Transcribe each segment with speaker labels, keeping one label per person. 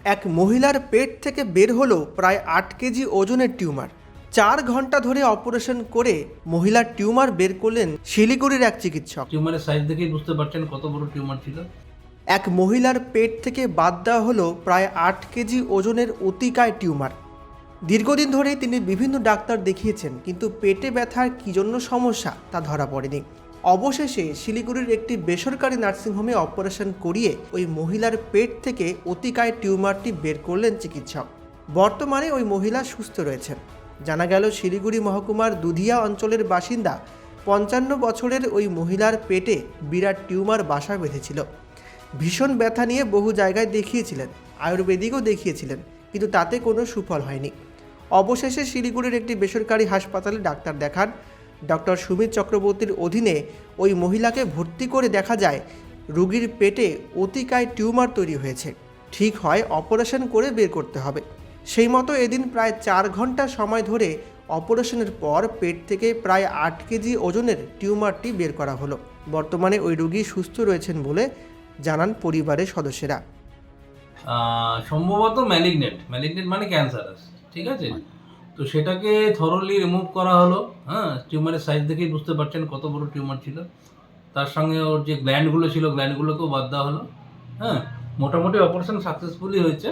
Speaker 1: এক মহিলার পেট থেকে বের হলো প্রায় 8 কেজি ওজনের টিউমার। 4 ঘন্টা ধরে অপারেশন করে মহিলার টিউমার বের করলেন শিলিগুড়ির এক চিকিৎসক।
Speaker 2: টিউমারের সাইজ দেখেই বুঝতে পারছেন কত বড় টিউমার ছিল।
Speaker 1: এক মহিলার পেট থেকে বাদ দেওয়া হলো প্রায় 8 কেজি ওজনের অতিকায় টিউমার। দীর্ঘদিন ধরেই তিনি বিভিন্ন ডাক্তার দেখিয়েছেন, কিন্তু পেটে ব্যথার কী জন্য সমস্যা তা ধরা পড়েনি। অবশেষে শিলিগুড়ির একটি বেসরকারি নার্সিংহোমে অপারেশন করিয়ে ওই মহিলার পেট থেকে অতিকায় টিউমারটি বের করলেন চিকিৎসক। বর্তমানে ওই মহিলা সুস্থ রয়েছেন। জানা গেল, শিলিগুড়ি মহকুমার দুধিয়া অঞ্চলের বাসিন্দা 55 বছরের ওই মহিলার পেটে বিরাট টিউমার বাসা বেঁধেছিল। ভীষণ ব্যথা নিয়ে বহু জায়গায় দেখিয়েছিলেন, আয়ুর্বেদিকও দেখিয়েছিলেন, কিন্তু তাতে কোনো সুফল হয়নি। অবশেষে শিলিগুড়ির একটি বেসরকারি হাসপাতালে ডাক্তার দেখান। ডক্টর সুমিত চক্রবর্তীর অধীনে ওই মহিলাকে ভর্তি করে দেখা যায় রোগীর পেটে অতিকায় টিউমার তৈরি হয়েছে। ঠিক হয় অপারেশন করে বের করতে হবে। সেই মতো এদিন প্রায় 4 ঘন্টা সময় ধরে অপারেশনের পর পেট থেকে প্রায় 8 কেজি ওজনের টিউমারটি বের করা হলো। বর্তমানে ওই রোগী সুস্থ রয়েছেন বলে জানান পরিবারের সদস্যরা।
Speaker 2: সম্ভবত ম্যালিগনেন্ট মানে ক্যান্সারাস, ঠিক আছে। তো সেটাকে থরলি রিমুভ করা হলো। টিউমারের সাইজ দেখেই বুঝতে পারছেন কত বড় টিউমার ছিল। তার সঙ্গে ওর যে গ্ল্যান্ডগুলো ছিল, গ্ল্যান্ডগুলোকেও বাদ দেওয়া হলো। মোটামুটি অপারেশন সাকসেসফুলি হয়েছে।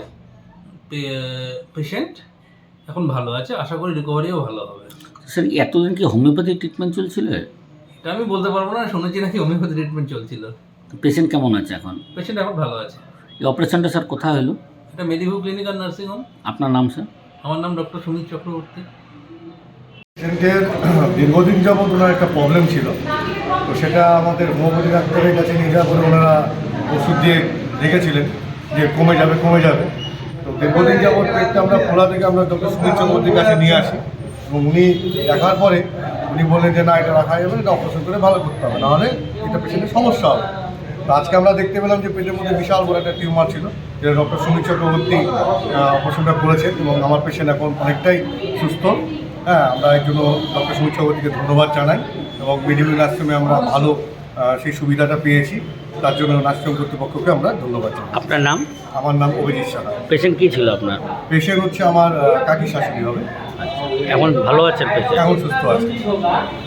Speaker 2: পেশেন্ট এখন ভালো আছে, আশা করি রিকভারিও ভালো হবে।
Speaker 3: স্যার, এতদিন কি হোমিওপ্যাথি ট্রিটমেন্ট চলছিল?
Speaker 2: এটা আমি বলতে পারবো না, শুনেছি নাকি হোমিওপ্যাথি ট্রিটমেন্ট চলছিল।
Speaker 3: পেশেন্ট কেমন আছে এখন?
Speaker 2: পেশেন্ট এখন ভালো আছে।
Speaker 3: এই অপারেশনটা স্যার কোথায় হলো?
Speaker 2: এটা মেডিভু ক্লিনিক আর নার্সিং হোম।
Speaker 3: আপনার নাম স্যার?
Speaker 2: আমার নাম ডক্টর সুমিত চক্রবর্তী।
Speaker 4: পেশেন্টের দীর্ঘদিন যাবৎ ওনার একটা প্রবলেম ছিল, তো সেটা আমাদের হোমিওপ্যাথি ডাক্তারের কাছে নিয়ে যাওয়ার পরে ওনারা ওষুধ দিয়ে রেখেছিলেন যে কমে যাবে। তো দীর্ঘদিন যাবৎ পেটটা আমরা খোলা থেকে আমরা ডক্টর সুমিত চক্রবর্তীর কাছে নিয়ে আসি, এবং উনি দেখার পরে উনি বললেন যে না, এটা রাখা যাবে না, এটা অপারেশন করে ভালো করতে হবে, নাহলে এটা পেশেন্টের সমস্যা হবে। তো আজকে আমরা দেখতে পেলাম যে পেটের মধ্যে বিশাল বড় একটা টিউমার ছিল, যেটা ডক্টর সুমিত চক্রবর্তী অপারেশনটা করেছেন, এবং আমার পেশেন্ট এখন অনেকটাই সুস্থ। আমরা এর জন্য ডক্টর সুমিত চক্রবর্তীকে ধন্যবাদ জানাই, এবং মেডিভু নার্সিংহোমে আমরা ভালো সেই সুবিধাটা পেয়েছি, তার জন্য নার্সিংহোম কর্তৃপক্ষকে আমরা ধন্যবাদ জানাই।
Speaker 3: আপনার নাম?
Speaker 4: আমার নাম অভিজিৎ সাহা।
Speaker 3: পেশেন্ট কী ছিল আপনার?
Speaker 4: পেশেন্ট হচ্ছে আমার কাকি শাশুড়ি হবে।
Speaker 3: এখন ভালো আছেন পেশেন্ট?
Speaker 4: এখন সুস্থ আছে।